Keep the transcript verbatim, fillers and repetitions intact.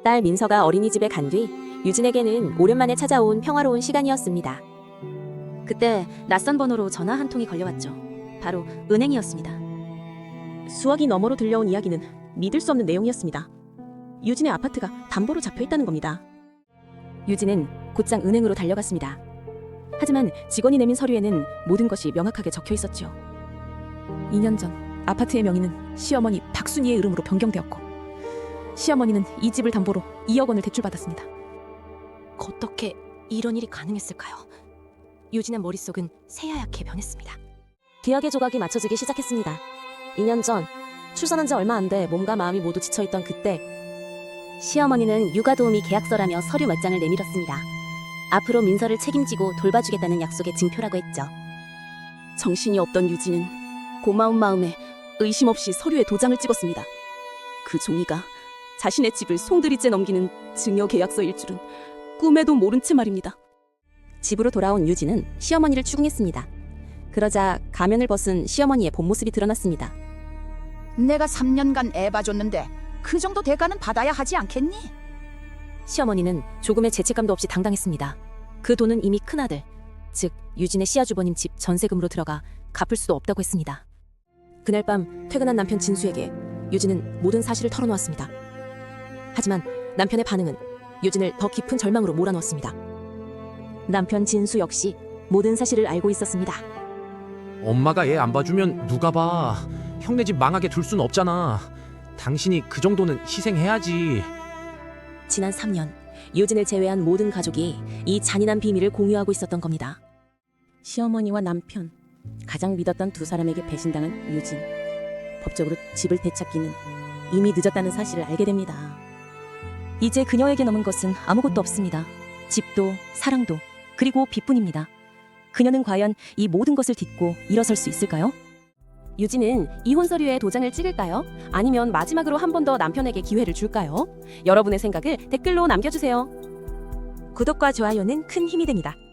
딸 민서가 어린이집에 간 뒤 유진에게는 오랜만에 찾아온 평화로운 시간이었습니다. 그때 낯선 번호로 전화 한 통이 걸려왔죠. 바로 은행이었습니다. 수억이 너머로 들려온 이야기는 믿을 수 없는 내용이었습니다. 유진의 아파트가 담보로 잡혀 있다는 겁니다. 유진은 곧장 은행으로 달려갔습니다. 하지만 직원이 내민 서류에는 모든 것이 명확하게 적혀 있었죠. 이 년 전 아파트의 명의는 시어머니 박순희의 이름으로 변경되었고 시어머니는 이 집을 담보로 이억 원을 대출받았습니다. 어떻게 이런 일이 가능했을까요? 유진의 머릿속은 새하얗게 변했습니다. 계약의 조각이 맞춰지기 시작했습니다. 이 년 전 출산한 지 얼마 안 돼 몸과 마음이 모두 지쳐있던 그때 시어머니는 육아도우미 계약서라며 서류 몇 장을 내밀었습니다. 앞으로 민서를 책임지고 돌봐주겠다는 약속의 증표라고 했죠. 정신이 없던 유진은 고마운 마음에 의심 없이 서류에 도장을 찍었습니다. 그 종이가 자신의 집을 송두리째 넘기는 증여 계약서일 줄은 꿈에도 모른 채 말입니다. 집으로 돌아온 유진은 시어머니를 추궁했습니다. 그러자 가면을 벗은 시어머니의 본 모습이 드러났습니다. 내가 삼 년간 애 봐줬는데 그 정도 대가는 받아야 하지 않겠니? 시어머니는 조금의 죄책감도 없이 당당했습니다. 그 돈은 이미 큰아들, 즉 유진의 시아주버님 집 전세금으로 들어가 갚을 수도 없다고 했습니다. 그날 밤 퇴근한 남편 진수에게 유진은 모든 사실을 털어놓았습니다. 하지만 남편의 반응은 유진을 더 깊은 절망으로 몰아넣었습니다. 남편 진수 역시 모든 사실을 알고 있었습니다. 엄마가 얘 안 봐주면 누가 봐. 형네 집 망하게 둘 순 없잖아. 당신이 그 정도는 희생해야지. 지난 삼 년 유진을 제외한 모든 가족이 이 잔인한 비밀을 공유하고 있었던 겁니다. 시어머니와 남편, 가장 믿었던 두 사람에게 배신당한 유진. 법적으로 집을 되찾기는 이미 늦었다는 사실을 알게 됩니다. 이제 그녀에게 남은 것은 아무것도 없습니다. 집도 사랑도 그리고 빚뿐입니다. 그녀는 과연 이 모든 것을 딛고 일어설 수 있을까요? 유진은 이혼 서류에 도장을 찍을까요? 아니면 마지막으로 한 번 더 남편에게 기회를 줄까요? 여러분의 생각을 댓글로 남겨주세요. 구독과 좋아요는 큰 힘이 됩니다.